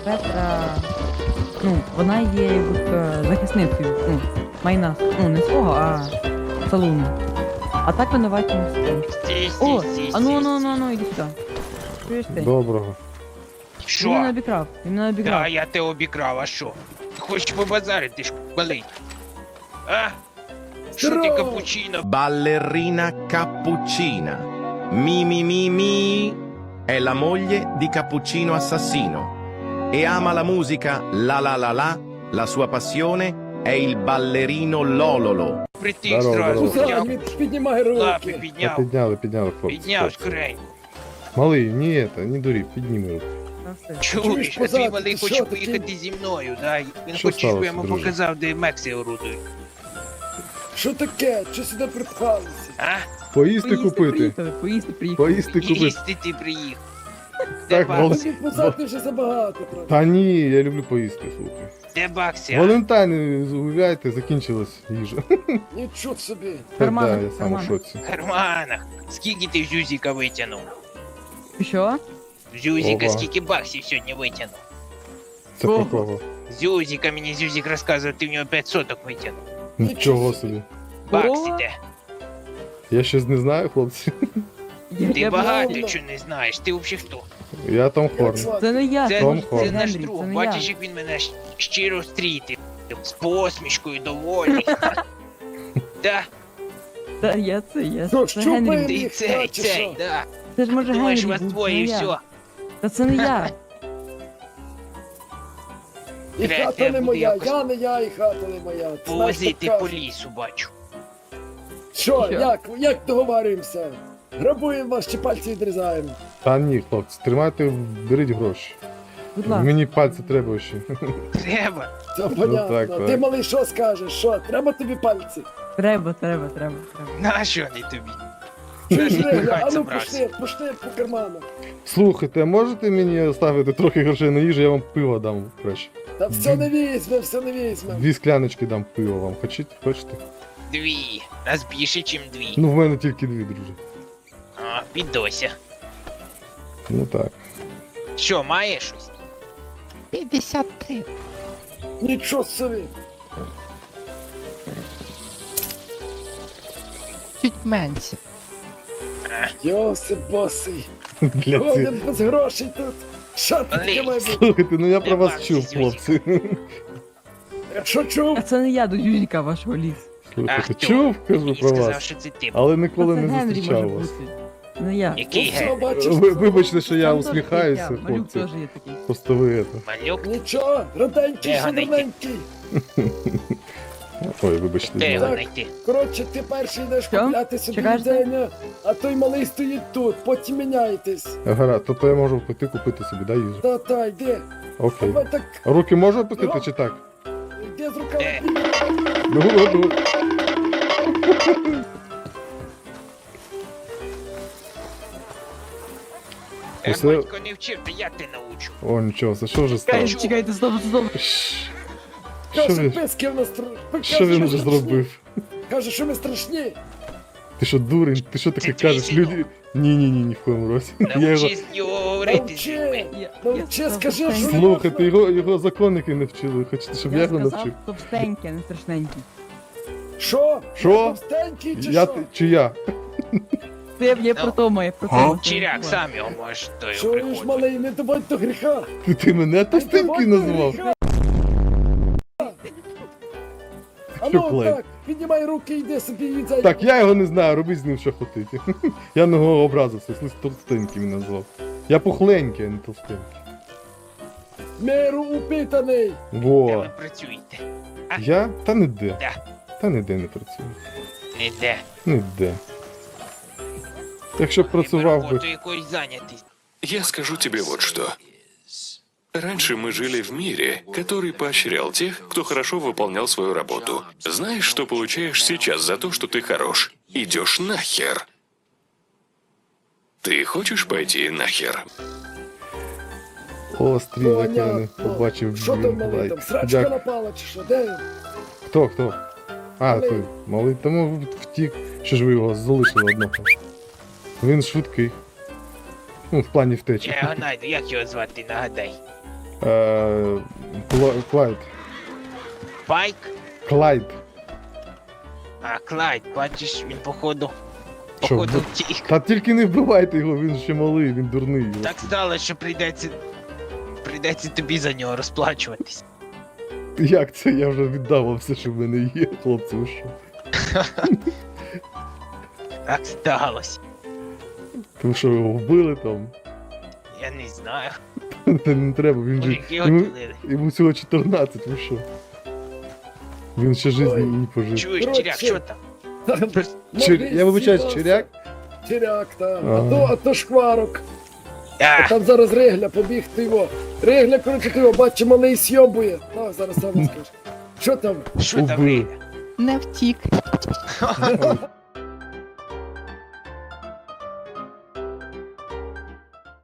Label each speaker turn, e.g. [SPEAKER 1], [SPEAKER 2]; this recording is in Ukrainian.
[SPEAKER 1] Петра, ну, вона є захисницею, ну, майна, ну, не свого, а салуну. А так винуваті не стоїть. О, а ну, іди сюди. Чуєш ти?
[SPEAKER 2] Доброго.
[SPEAKER 1] Він мене
[SPEAKER 3] Що?
[SPEAKER 1] обікрав, він мене
[SPEAKER 3] Да,
[SPEAKER 1] обікрав.
[SPEAKER 3] я тебе обікрав, а що? Ти хочеш побазарити, ж болить? А? Що ти капучино?
[SPEAKER 4] Ballerina Cappuccina. Mi è la moglie di Cappuccino Assassino e ama la musica la la la la, la sua passione è il ballerino Lololo.
[SPEAKER 3] Притих
[SPEAKER 2] Здорово,
[SPEAKER 3] зразу,
[SPEAKER 2] здорово.
[SPEAKER 3] взяв,
[SPEAKER 5] Піднімай
[SPEAKER 3] лапи
[SPEAKER 5] руки.
[SPEAKER 2] Та
[SPEAKER 3] підняв,
[SPEAKER 2] підняли, хлопці.
[SPEAKER 3] підняв
[SPEAKER 2] хлопці.
[SPEAKER 3] скоренько.
[SPEAKER 2] Малий, не дурі, підніми руку.
[SPEAKER 1] Ну, все.
[SPEAKER 3] Чуєш, а твій
[SPEAKER 5] позаду,
[SPEAKER 3] малий
[SPEAKER 5] ти
[SPEAKER 3] хоче
[SPEAKER 5] що,
[SPEAKER 3] поїхати
[SPEAKER 5] такий?
[SPEAKER 3] зі мною, да? Він
[SPEAKER 2] Що
[SPEAKER 3] хоче, щоб я
[SPEAKER 2] сталося,
[SPEAKER 3] йому
[SPEAKER 2] друже?
[SPEAKER 3] показав, де Мексі орудує.
[SPEAKER 5] Що таке? Чи сюди припхалися?
[SPEAKER 3] А?
[SPEAKER 2] Поїсти купити.
[SPEAKER 1] приїхали, поїсти приїхали.
[SPEAKER 2] Поїсти купити.
[SPEAKER 3] Їсти ти приїхав. Де
[SPEAKER 2] Так,
[SPEAKER 3] бакси?
[SPEAKER 5] Тобі позади вже забагато, правда?
[SPEAKER 2] Та ні, я люблю поїсти, слухай.
[SPEAKER 3] Де бакси, а?
[SPEAKER 2] Валентайн, гуляйте, закінчилась їжа.
[SPEAKER 5] Нічого собі.
[SPEAKER 1] Кармани,
[SPEAKER 2] Да, я сам у
[SPEAKER 1] кармани.
[SPEAKER 2] шоці.
[SPEAKER 3] В карманах. Скільки ти Зюзіка витягнув?
[SPEAKER 1] Що?
[SPEAKER 3] Зюзіка,
[SPEAKER 2] Ова.
[SPEAKER 3] скільки баксів сьогодні витягнув?
[SPEAKER 2] Це про кого?
[SPEAKER 3] Зюзіка, мені Зюзік розказував, ти в нього 5 соток витягнув.
[SPEAKER 2] Нічого собі.
[SPEAKER 3] Бакси
[SPEAKER 1] О!
[SPEAKER 3] де?
[SPEAKER 2] Я щось не знаю, хлопці.
[SPEAKER 3] Ти
[SPEAKER 1] Я
[SPEAKER 3] багато
[SPEAKER 5] правда.
[SPEAKER 3] чого не знаєш, ти взагалі хто?
[SPEAKER 2] Я Том
[SPEAKER 5] Як
[SPEAKER 2] Хорн.
[SPEAKER 5] звати?
[SPEAKER 1] Це не я,
[SPEAKER 3] Це,
[SPEAKER 2] Том
[SPEAKER 3] це
[SPEAKER 2] Хорн.
[SPEAKER 3] наш
[SPEAKER 1] Генрі,
[SPEAKER 3] друг,
[SPEAKER 1] це не
[SPEAKER 3] бачиш,
[SPEAKER 1] я.
[SPEAKER 3] як він мене щиро стрітив. З посмішкою доволі. Да,
[SPEAKER 1] Та я це, я.
[SPEAKER 5] Що,
[SPEAKER 1] Це
[SPEAKER 5] щупаємо?
[SPEAKER 1] Генрі.
[SPEAKER 3] ти
[SPEAKER 5] їх,
[SPEAKER 3] цей,
[SPEAKER 5] чи
[SPEAKER 3] цей,
[SPEAKER 5] що?
[SPEAKER 3] да.
[SPEAKER 1] Це ж може
[SPEAKER 3] Думаєш,
[SPEAKER 1] Генрі
[SPEAKER 3] вас
[SPEAKER 1] був,
[SPEAKER 3] двоє і
[SPEAKER 1] це не я.
[SPEAKER 3] все.
[SPEAKER 1] Та це не я.
[SPEAKER 5] І
[SPEAKER 3] Третє
[SPEAKER 5] хата не
[SPEAKER 3] буде
[SPEAKER 5] моя,
[SPEAKER 3] якось.
[SPEAKER 5] я не я, і хата не моя. Знаєш,
[SPEAKER 3] Повозити
[SPEAKER 5] так
[SPEAKER 3] по
[SPEAKER 5] кажуть.
[SPEAKER 3] лісу, бачу.
[SPEAKER 5] Що,
[SPEAKER 1] Що?
[SPEAKER 5] як договарюємося? Грабуємо вас чи пальці відрізаємо?
[SPEAKER 2] Та ні, хлопці, тримайте, беріть гроші.
[SPEAKER 1] Будь ласка.
[SPEAKER 2] Мені пальці треба ще.
[SPEAKER 3] Треба.
[SPEAKER 5] Це понятно.
[SPEAKER 2] так.
[SPEAKER 5] Ти, малий, що скажеш? Що, треба тобі пальці?
[SPEAKER 1] Треба.
[SPEAKER 3] Нащо вони тобі?
[SPEAKER 5] Чуєш,
[SPEAKER 3] Ти
[SPEAKER 5] Ригля?
[SPEAKER 3] хай
[SPEAKER 5] А ну
[SPEAKER 3] забрався.
[SPEAKER 5] пошли по карманах.
[SPEAKER 2] Слухайте, можете мені оставити трохи грошей на їжу, я вам пиво дам краще.
[SPEAKER 5] Та все не візьме, все не візьме.
[SPEAKER 2] 2 скляночки дам пива вам. Хочете?
[SPEAKER 3] Дві. Нас більше, ніж дві.
[SPEAKER 2] Ну, в мене тільки 2, друже.
[SPEAKER 3] А, підося.
[SPEAKER 2] Ну так.
[SPEAKER 3] Що, має щось?
[SPEAKER 6] 53.
[SPEAKER 5] Нічого собі.
[SPEAKER 6] Чуть менше.
[SPEAKER 5] Йосип босий.
[SPEAKER 2] Для ці...
[SPEAKER 5] Ходим без грошей тут. Що ти таке має бути?
[SPEAKER 2] Слухайте, ну я про вас
[SPEAKER 3] Нема
[SPEAKER 2] чув,
[SPEAKER 3] зі
[SPEAKER 2] хлопці.
[SPEAKER 5] Що чув?
[SPEAKER 1] А це не я до Юзіка вашого ліс.
[SPEAKER 2] Слухайте,
[SPEAKER 3] хто?
[SPEAKER 2] чув, кажу
[SPEAKER 3] Мені
[SPEAKER 2] про
[SPEAKER 3] сказав,
[SPEAKER 2] вас.
[SPEAKER 3] що це ти.
[SPEAKER 2] Але ніколи
[SPEAKER 1] Та це
[SPEAKER 2] не
[SPEAKER 1] Генрі
[SPEAKER 2] зустрічав
[SPEAKER 1] може
[SPEAKER 2] вас.
[SPEAKER 1] бути. Не я.
[SPEAKER 3] Який
[SPEAKER 5] Ну, все,
[SPEAKER 3] ген?
[SPEAKER 5] бачиш,
[SPEAKER 2] Вибачте, що я
[SPEAKER 1] Там теж
[SPEAKER 2] усміхаюся,
[SPEAKER 1] є, Малюк
[SPEAKER 2] хлопці.
[SPEAKER 1] теж є такий.
[SPEAKER 2] Просто ви це.
[SPEAKER 3] Малюк?
[SPEAKER 5] Нічого, роденький,
[SPEAKER 3] Де його знайти?
[SPEAKER 5] шановненький.
[SPEAKER 2] Ой, вибачте.
[SPEAKER 3] Де його
[SPEAKER 5] Так.
[SPEAKER 3] знайти?
[SPEAKER 5] Коротше, ти перший йдеш
[SPEAKER 1] Що?
[SPEAKER 5] купляти собі
[SPEAKER 1] Чекаєш?
[SPEAKER 5] їдення, а той малий стоїть тут, потім міняєтесь.
[SPEAKER 2] Гаразд, то я можу піти купити собі, да, їжу?
[SPEAKER 5] Та, йди.
[SPEAKER 2] Окей.
[SPEAKER 5] Давай так,
[SPEAKER 2] Руки можу опустити чи так?
[SPEAKER 5] йди з руками.
[SPEAKER 3] Де?
[SPEAKER 2] Ну. Усе-
[SPEAKER 3] Батько не вчив, то я тебе научу.
[SPEAKER 2] О, нічого, це що вже стало?
[SPEAKER 1] Чекайте, стоп.
[SPEAKER 2] Що
[SPEAKER 5] Каже,
[SPEAKER 2] він,
[SPEAKER 5] писки в нас страшні.
[SPEAKER 2] що він вже зробив?
[SPEAKER 5] Каже, що ми страшні.
[SPEAKER 2] Ти що, дурень? Ти що таке
[SPEAKER 3] Це твій
[SPEAKER 2] кажеш?
[SPEAKER 3] синок.
[SPEAKER 2] Люди... Ні, в коєму разі. Я його...
[SPEAKER 3] Научись його говорити з людьми.
[SPEAKER 5] Навчи, скажи, що
[SPEAKER 2] Слухайте, його законники не вчили. Хочете, щоб я його
[SPEAKER 1] сказав
[SPEAKER 2] навчив?
[SPEAKER 1] товстенький, а не страшненький.
[SPEAKER 5] Що?
[SPEAKER 2] Що?
[SPEAKER 5] Товстенький чи
[SPEAKER 2] Я,
[SPEAKER 5] що?
[SPEAKER 2] чи я?
[SPEAKER 1] Це я
[SPEAKER 3] Ну.
[SPEAKER 1] про тому, я про тому.
[SPEAKER 3] Чиряк, сам його можеш до його
[SPEAKER 5] Чуєш,
[SPEAKER 3] приходити.
[SPEAKER 5] малий, не доводь до гріха.
[SPEAKER 2] Ти мене товстенький назвав?
[SPEAKER 5] А
[SPEAKER 2] Що,
[SPEAKER 5] ну
[SPEAKER 2] Клей?
[SPEAKER 5] так, піднімай руки, йди собі їдзай.
[SPEAKER 2] Так, я його не знаю, робіть з ним що хочете. Я на нього образився, слухай, товстенький мене назвав. Я пухленький, а не товстенький.
[SPEAKER 5] Миру упитаний.
[SPEAKER 3] Де
[SPEAKER 2] Во.
[SPEAKER 3] ви працюєте?
[SPEAKER 2] Я? Та не де.
[SPEAKER 3] Да.
[SPEAKER 2] Та ніде не працюю.
[SPEAKER 3] Ніде.
[SPEAKER 2] Ніде. Якщо б працював би.
[SPEAKER 3] Роботу якоюсь зайнятий.
[SPEAKER 7] Я скажу тебе вот что. Раньше мы жили в мире, который поощрял тех, кто хорошо выполнял свою работу. Знаешь, что получаешь сейчас за то, что ты хорош? Идешь нахер. Ты хочешь пойти нахер?
[SPEAKER 2] О, стрій, як я не
[SPEAKER 5] Понятно.
[SPEAKER 2] побачив.
[SPEAKER 5] Що там малий,
[SPEAKER 2] лайк.
[SPEAKER 5] там срачка
[SPEAKER 2] Дякую.
[SPEAKER 5] напала чи що? Де він?
[SPEAKER 2] Хто? А,
[SPEAKER 5] Малий.
[SPEAKER 2] той, малий, тому втік. Що ж ви його залишили одного? Він швидкий. Ну, в плані втечі.
[SPEAKER 3] Я його знайду, як його звати, нагадай.
[SPEAKER 2] Клайд.
[SPEAKER 3] Пайк?
[SPEAKER 2] Клайд.
[SPEAKER 3] А, Клайд, бачиш, він походу.
[SPEAKER 2] Що,
[SPEAKER 3] Походу
[SPEAKER 2] ви-
[SPEAKER 3] втік.
[SPEAKER 2] Та тільки не вбивайте його, він ще малий, він дурний.
[SPEAKER 3] Так стало, що прийдеться тобі за нього розплачуватись.
[SPEAKER 2] Як це? Я вже віддав вам все, що в мене є, хлопці, ви що?
[SPEAKER 3] Так сталося.
[SPEAKER 2] Ви що, його вбили там?
[SPEAKER 3] Я не знаю.
[SPEAKER 2] Та не треба, він же.
[SPEAKER 3] Мужики його
[SPEAKER 2] Йому,
[SPEAKER 3] ділили.
[SPEAKER 2] йому всього 14, ви що? Він ще життя
[SPEAKER 5] Ой.
[SPEAKER 2] не пожив.
[SPEAKER 3] Чуєш,
[SPEAKER 5] Коротше.
[SPEAKER 3] Чиряк, що там?
[SPEAKER 2] Я вибачаюсь, Чиряк?
[SPEAKER 5] Чиряк, та.
[SPEAKER 2] Ага.
[SPEAKER 5] А то шкварок.
[SPEAKER 3] А,
[SPEAKER 5] Там зараз Регля, побіг ти його. Регля, коротше, ти його, бачиш, малий сьобує. Так, зараз сам скажеш. Що там?
[SPEAKER 3] що там?
[SPEAKER 2] Убив.
[SPEAKER 3] Риля?
[SPEAKER 6] Не втік.